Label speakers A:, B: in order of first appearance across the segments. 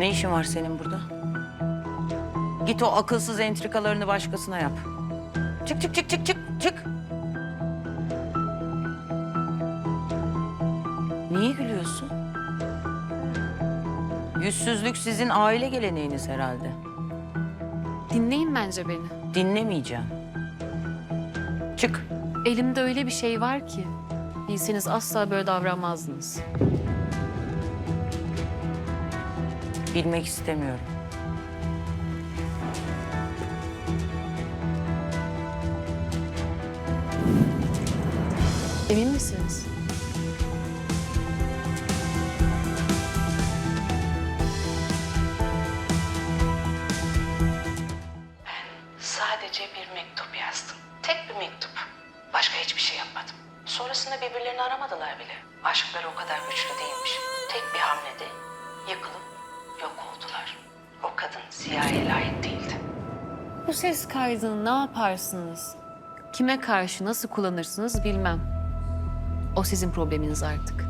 A: Ne işin var senin burada? Git o akılsız entrikalarını başkasına yap. Çık çık çık çık çık çık. Niye gülüyorsun? Yüzsüzlük sizin aile geleneğiniz herhalde.
B: Dinleyin bence beni.
A: Dinlemeyeceğim. Çık.
B: Elimde öyle bir şey var ki bilseniz asla böyle davranmazdınız.
A: Bilmek istemiyorum.
B: Emin misiniz?
C: Sadece bir mektup yazdım. Tek bir mektup. Başka hiçbir şey yapmadım. Sonrasında birbirlerini aramadılar bile. Aşkları o kadar güçlü değilmiş. Tek bir hamlede yıkılıp yok oldular. O kadın Ziya'ya layık değildi.
B: Bu ses kaydını ne yaparsınız? Kime karşı nasıl kullanırsınız bilmem. O sizin probleminiz artık.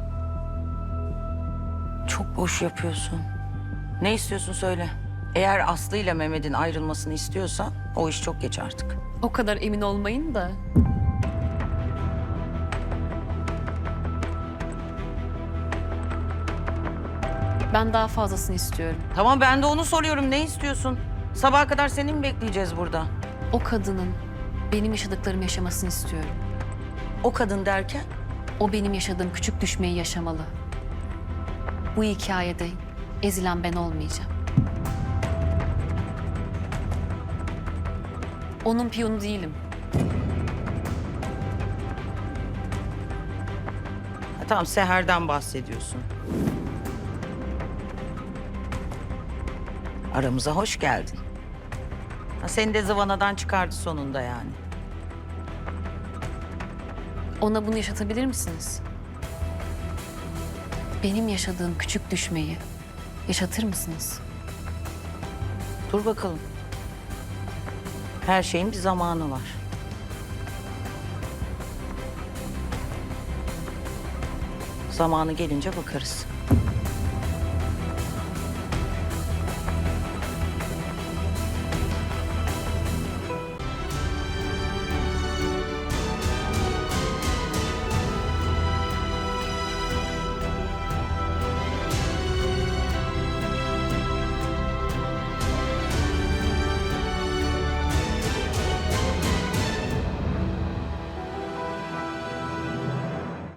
A: Çok boş yapıyorsun. Ne istiyorsun söyle. Eğer Aslı ile Mehmet'in ayrılmasını istiyorsan o iş çok geç artık.
B: O kadar emin olmayın da. Ben daha fazlasını istiyorum.
A: Tamam ben de onu soruyorum. Ne istiyorsun? Sabaha kadar seni mi bekleyeceğiz burada?
B: O kadının benim yaşadıklarımı yaşamasını istiyorum.
A: O kadın derken?
B: O benim yaşadığım küçük düşmeyi yaşamalı. Bu hikayede ezilen ben olmayacağım. Onun piyonu değilim.
A: Ha, tamam Seher'den bahsediyorsun. Aramıza hoş geldin. Ha, seni de zıvanadan çıkardı sonunda yani.
B: Ona bunu yaşatabilir misiniz? Benim yaşadığım küçük düşmeyi yaşatır mısınız?
A: Dur bakalım. Her şeyin bir zamanı var. Zamanı gelince bakarız.